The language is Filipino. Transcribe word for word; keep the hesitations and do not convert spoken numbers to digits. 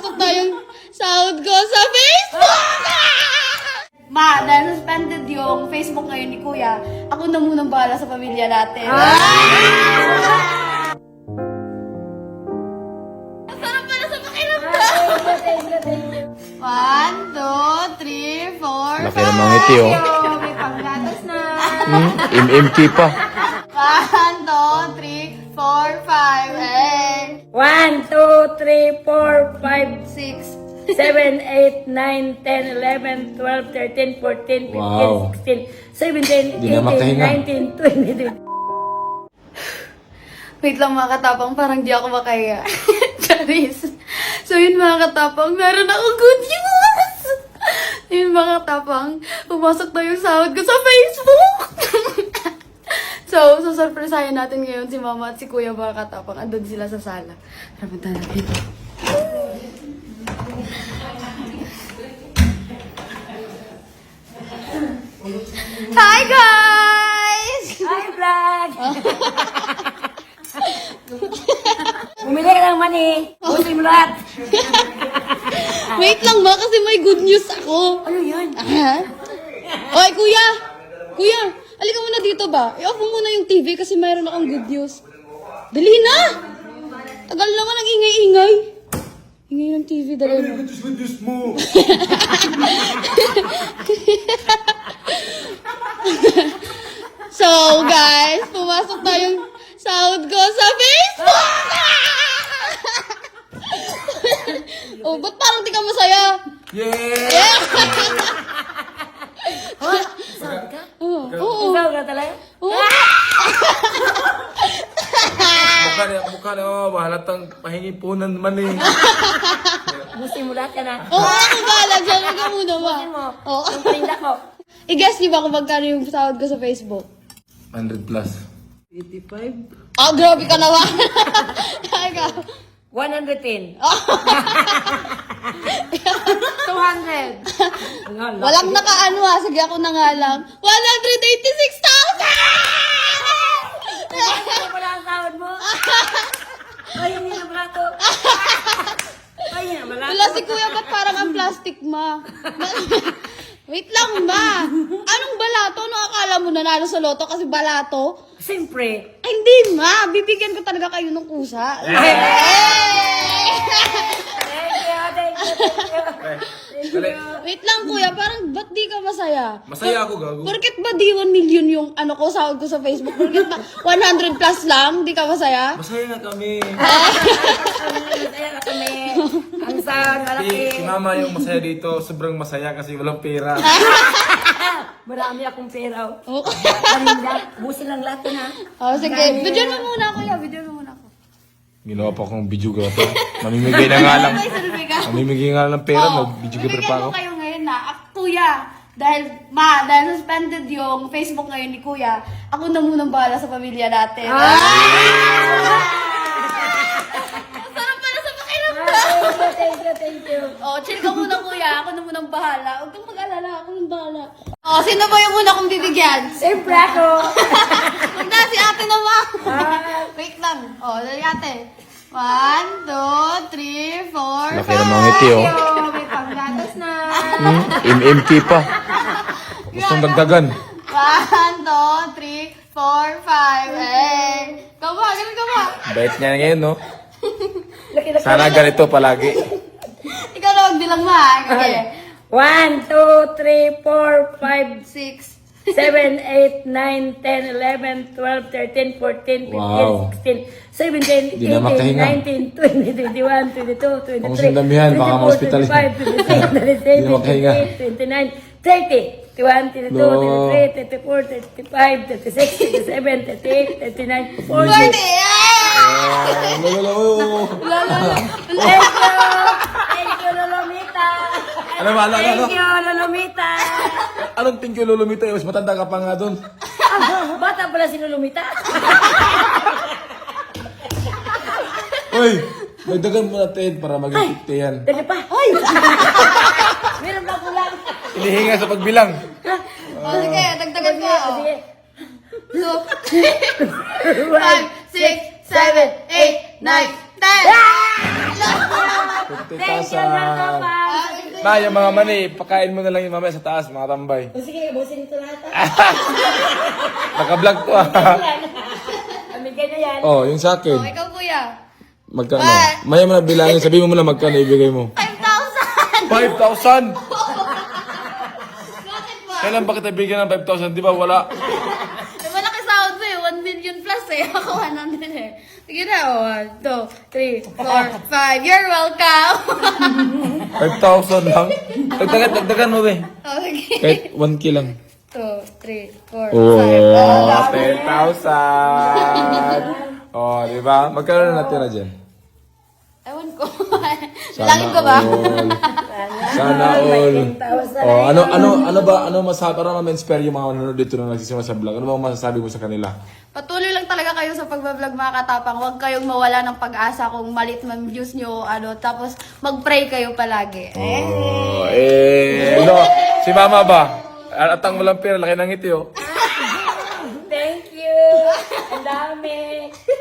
pumasok na yung sahod ko sa Facebook! Ma, dahil suspended yung Facebook ngayon ni Kuya, ako na munang bahala sa pamilya natin. Ang sarap pala sa pakiramdam! One, two, three, four, Laki five. ng mga ngiti, oh. May panggatas na. Hmm, M M K pa. One, two, three, four, five, eight, One, two, three, four, five, six. seven, eight, nine, ten, eleven, twelve, thirteen, fourteen, fifteen, Wow. sixteen, seventeen, Di na eighteen, makahinga. nineteen, twenty. Wait lang mga katapang, parang di ako makaya. Charis. So yun mga katapang, meron akong good news! Yun mga katapang, pumasok na yung sahod ko sa Facebook! So, susurpresahin natin ngayon si Mama at si Kuya mga katapang. Andun sila sa sala. Tara, punta natin. Hi guys! Hi, vlog! Bumili ka ng mani. Busin mo lahat. Wait lang ma, kasi may good news ako. Ano yun? Ha? Oy, kuya! Kuya, alika muna dito ba? I-off mo muna yung T V kasi mayroon akong good news. Dali na! Tagal naman ang ingay-ingay. Ingay ng T V, dali mo. Good news mo. So, guys, pumasok na yung sahod ko sa Facebook! Oh, ba't parang di ka masaya? Yeah! Yeah! Saan ka? Oo, oo. Ikaw ka talaga? Oo. Mukha na, mukha na, oh, mahalatang pahingi punan man eh. Busin mo lahat ka na. Oo, ako bahala dyan. Huwag ka muna ba? Busin mo. Oo. Yung paninda ko. I-guess niyo ba kung magkano yung sahod ko sa Facebook? one hundred plus. eighty-five? Oh, grabe ka naman. Ikaw. one hundred ten. two hundred. Wala. Walang nakaano ha. Sige ako na nga lang. one hundred eighty-six thousand! Ano pala ang sahod mo? Ay, hindi na pala to. Ay, hindi na pala Wala to. si Kuya, ba't parang ang plastic, ma? Wait lang, ma. Anong balato? Ano akala mo nanalo sa loto kasi balato? Siyempre. Ay, hindi, ma. Bibigyan ko talaga kayo ng kusa. Thank you, thank you, thank you. Dali. Wait lang, Kuya. Parang ba't di ka masaya? Masaya ako, gago. Porket ba di one million yung ano ko, sahod ko sa Facebook? Porket ba one hundred plus lang? Di ka masaya? Masaya na kami. Masaya ka kami. Ang sahod, Si, malaki. si mama yung masaya dito, sobrang masaya kasi walang pera. Marami akong pera. Oh. Paninda. Busin lang lahat yun, ha? Oh, sige. Video mo muna, Kuya. Video mo muna ako. Ginawa pa akong videographer. Mamimigay na nga lang. May selfie ka. Mamimigay nga lang ng pera, Oh, mag-videographer bibigyan pa ako. ko kayo ngayon na. Ak- Kuya, dahil, ma, dahil suspended yung Facebook ngayon ni Kuya, ako na munang bahala sa pamilya natin. Ah! Ang sarap pala sa pakiramdam. Thank you, thank you, thank you. Oh, chill ka muna, Kuya. Ako na munang bahala. Huwag kang mag-alala. Ako nang bahala. Oh, sino ba yung una kong bibigyan? Siyempre ako. Huwag na, si ate naman. Ah. Wait lang. Oh, dali ate. One, two, three, four, Laki five. ng mga ngiti, oh. Yo, may panggatas na. Hmm, M M K pa. Gustong dagdagan. One, two, three, four, five, eight. Ikaw ba? Ganun ka ba? Bait niya ngayon, no? Laki-laki. Sana ganito palagi. Ikaw na magbilang mo ha. Okay. One, two, three, four, five, Six. seven, eight, nine, ten, eleven, twelve, thirteen, fourteen, fifteen, Wow. sixteen, seventeen, Di na eighteen, makahinga. nineteen, twenty, twenty-one, twenty-two, Kung twenty-three, sundamihan, baka twenty-four, ma-hospital yan. twenty-five, twenty-six, Di twenty-seven, na makahinga. twenty-eight, twenty-nine, thirty, thirty-one, thirty-two, No. thirty-three, thirty-four, thirty-five, thirty-six, thirty-seven, thirty-eight, thirty-nine, forty. Forty. Ah, lolo, lolo. Thank you! Thank you, Lolomita! Ano ba, ano, ano, ano? Thank you, Lolomita! Anong thank you, Lolomita? Mas matanda ka pa nga doon. Ah, bata pala si Lolomita. Uy, dagdagan mo natin para maging fifty yan. Dali pa. Hoy! Meron pa kulang. Inihinga sa pagbilang. Oh, sige, dagdagan ko. oh. Sige. Two, five, six, seven, eight, nine, ten. fifty Thank you, mga thousand. kapal. Na, yung mga mani, pakain mo na lang yung mamaya sa taas, mga tambay. O sige, busin ito lahat. Naka-vlog to ah. Amigay na yan. Oh, yung sa Oh, akin. ikaw kuya. Magkano? What? Maya mo na bilangin, sabihin mo muna magkano ibigay mo. five thousand! five thousand! Bakit ba? Kailan ba kita bigyan ng five thousand? Di ba wala? Eh, malaki sahod mo eh. one million plus eh. Ako one hundred eh. Sige na. Oh, one, two, three, four, five. You're welcome. five thousand lang? Dagdagan, dagdagan mo be. Okay. Kahit one K lang. two, three, four, Oh, five. ten thousand! Oh, di ba? Magkano na natira dyan? Ewan ko. Bilangin ko ba? all. Sana all. Oh, ano ano ano ba ano masabi para ma-inspire yung mga nanonood dito na nagsisimula sa vlog? Ano ba ang masasabi mo sa kanila? Patuloy lang talaga kayo sa pagbablog mga katapang. Huwag kayong mawala ng pag-asa kung malit man views nyo. Ano, tapos mag-pray kayo palagi. Eh. Oh, eh, no. Si Mama ba? Atang mo lang pera, laki ng ngiti oh. Thank you. Ang dami.